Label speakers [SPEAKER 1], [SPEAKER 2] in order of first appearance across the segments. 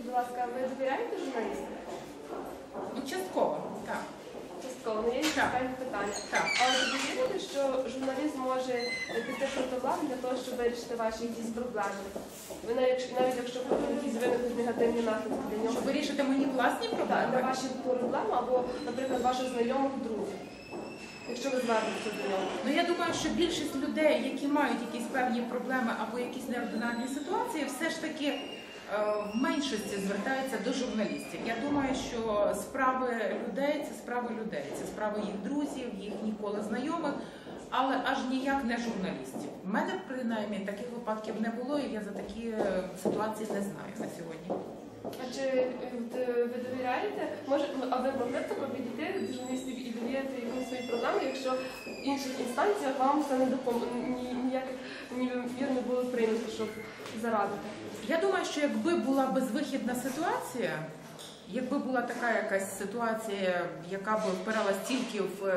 [SPEAKER 1] будь ласка, ви довіряєте журналістам?
[SPEAKER 2] Ну, частково, так.
[SPEAKER 1] Частково, ну є цікаві питання.
[SPEAKER 2] Так.
[SPEAKER 1] Але ви вірите, що журналіст може піти проти влади для того, щоб вирішити ваші якісь проблеми? Ви навіть якщо якісь виникнуть негативні наслідки для нього.
[SPEAKER 2] Щоб вирішити мої власні проблеми?
[SPEAKER 1] Так, для ваші проблеми або, наприклад, ваших знайомих друзів. Якщо ви звернетеся до нього.
[SPEAKER 2] Ну, я думаю, що більшість людей, які мають якісь певні проблеми або якісь неординарні ситуації, все ж таки в меншості звертаються до журналістів. Я думаю, що справи людей – це справи людей, це справи їх друзів, їх ніколи знайомих, але аж ніяк не журналістів. У мене, принаймні, таких випадків не було, і я за такі ситуації не знаю на сьогодні.
[SPEAKER 1] А чи ви довіряєте? А ви могли б тако підійти до журналістів і довіряти якусь свої проблеми, якщо в інших інстанціях вам це не допомогло, ніяких мір не було прийнято, щоб зарадити?
[SPEAKER 2] Я думаю, що якби була безвихідна ситуація, якби була така якась ситуація, яка б впиралась тільки в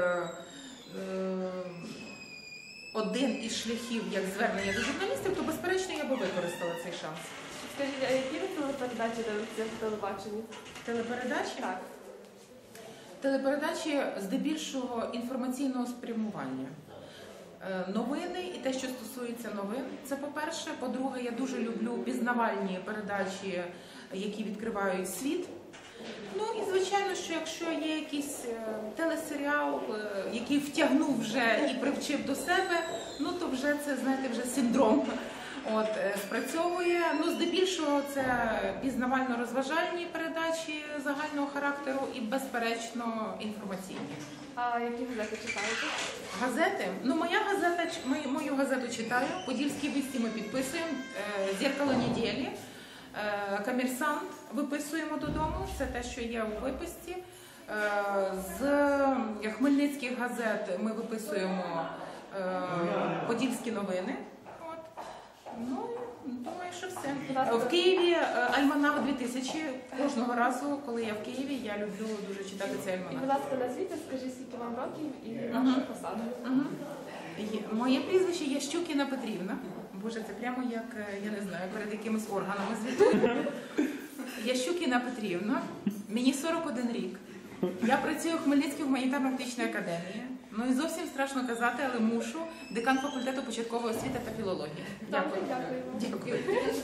[SPEAKER 2] один із шляхів, як звернення до журналістів, то, безперечно, я би використала цей шанс.
[SPEAKER 1] Скажіть, а які ви телепередачі дивитеся в телебаченні?
[SPEAKER 2] Телепередачі?
[SPEAKER 1] Так.
[SPEAKER 2] Телепередачі здебільшого інформаційного спрямування. Новини і те, що стосується новин, це по-перше. По-друге, я дуже люблю пізнавальні передачі, які відкривають світ. Ну і звичайно, що якщо є якийсь телесеріал, який втягнув вже і привчив до себе, ну то вже це, знаєте, вже синдром спрацьовує. Ну, здебільшого це пізнавально-розважальні передачі загального характеру і, безперечно, інформаційні.
[SPEAKER 1] А які газети читаєте?
[SPEAKER 2] Газети? Ну, мою газету читаю. Подільські вісті ми підписуємо, «Зеркало неділі», «Комерсант» виписуємо додому, це те, що є у виписці. З хмельницьких газет ми виписуємо «Подільські новини». Ну, думаю, що все. В Києві «Альманах 2000». Кожного разу, коли я в Києві, я люблю дуже читати цей альманах.
[SPEAKER 1] І, будь ласка, назвіть, скажіть, скільки вам років і ваша посада.
[SPEAKER 2] Моє прізвище Ящукіна Петрівна. Боже, це прямо як, я не знаю, перед якимись органами звітую. Ящукіна Петрівна. Мені 41 рік. Я працюю в Хмельницькій гуманітарно-практичній академії. Ну і зовсім страшно казати, але мушу. Декан факультету початкової освіти та філології.
[SPEAKER 1] Дякую.
[SPEAKER 2] Дякую.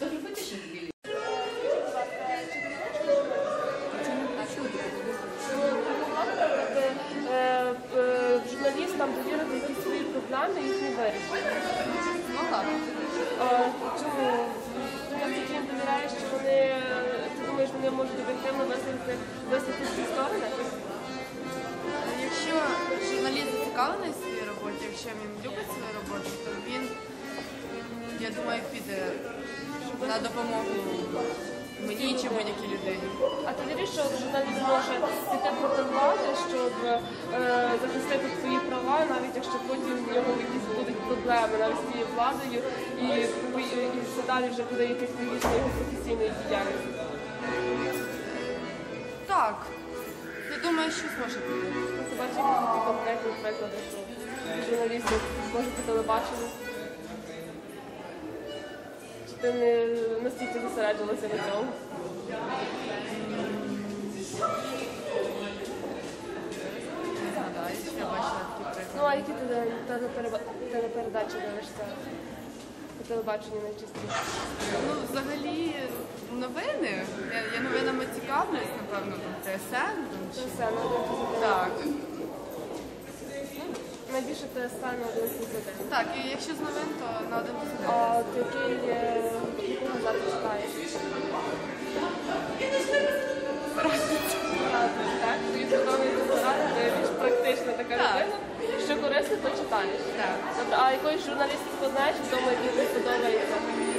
[SPEAKER 1] Журналістам довірити якісь свої проблеми і їхні вирішення.
[SPEAKER 3] Ну так.
[SPEAKER 1] Чому? Ти їм довіряєш, що вони, ти думаєш, вони можуть об'єктивно висловити всі сторони?
[SPEAKER 3] Якщо журналіст зацікавлений в своїй роботі, якщо він любить свою роботу, то він, я думаю, піде на допомогу мені чи будь-якій людині.
[SPEAKER 1] А ти віриш, що журналіст може піти проти влади, щоб захистити свої права, навіть якщо потім в нього якісь будуть проблеми навіть з цією владою і все далі вже буде якась логічна його професійної діяльності?
[SPEAKER 3] Так. Я думаю, що зможе піти.
[SPEAKER 1] Ти бачиш якісь такі конкретні приклади, що журналісти можуть по телебаченню? Чи ти не настільки зосереджувалася на цьому?
[SPEAKER 3] Не згадаю, що я бачила такі приклади.
[SPEAKER 1] Ну, а які ти телепередачі дивишся по телебаченню найчастіше?
[SPEAKER 3] Ну, взагалі, новини. Я новинами цікавлюсь, напевно, там ТСН.
[SPEAKER 1] Це все, на 1+1.
[SPEAKER 3] Так.
[SPEAKER 1] Найбільше ТСН на 1+1.
[SPEAKER 3] Так, і якщо з новин, то на 1+1.
[SPEAKER 1] А ти яку газету читаєш? Так, тобі подобається порада, ти більш практична така людина. Що корисно, то читаєш.
[SPEAKER 3] Так.
[SPEAKER 1] Добре, а якоїсь журналістику знаєш, вдома, який тобі подобається?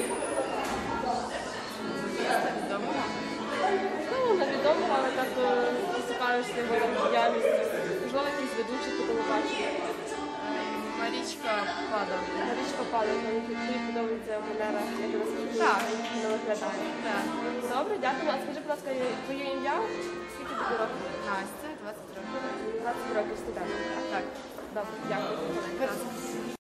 [SPEAKER 3] Відомого?
[SPEAKER 1] Ну, невідомо, але так цікавишся його діяльністю. Можливо, якісь ведучі по телебаченню.
[SPEAKER 3] Марічка Пада.
[SPEAKER 1] Марічка Пада, тобі подобається манера, як вона
[SPEAKER 3] Так.
[SPEAKER 1] спілкується, виглядає.
[SPEAKER 3] Так.
[SPEAKER 1] Добре, дякую. А скажи, будь ласка, твоє ім'я? Скільки тобі років?
[SPEAKER 3] Настя, 20 років.
[SPEAKER 1] 20 років студент.
[SPEAKER 3] Так.
[SPEAKER 1] Добре, дякую.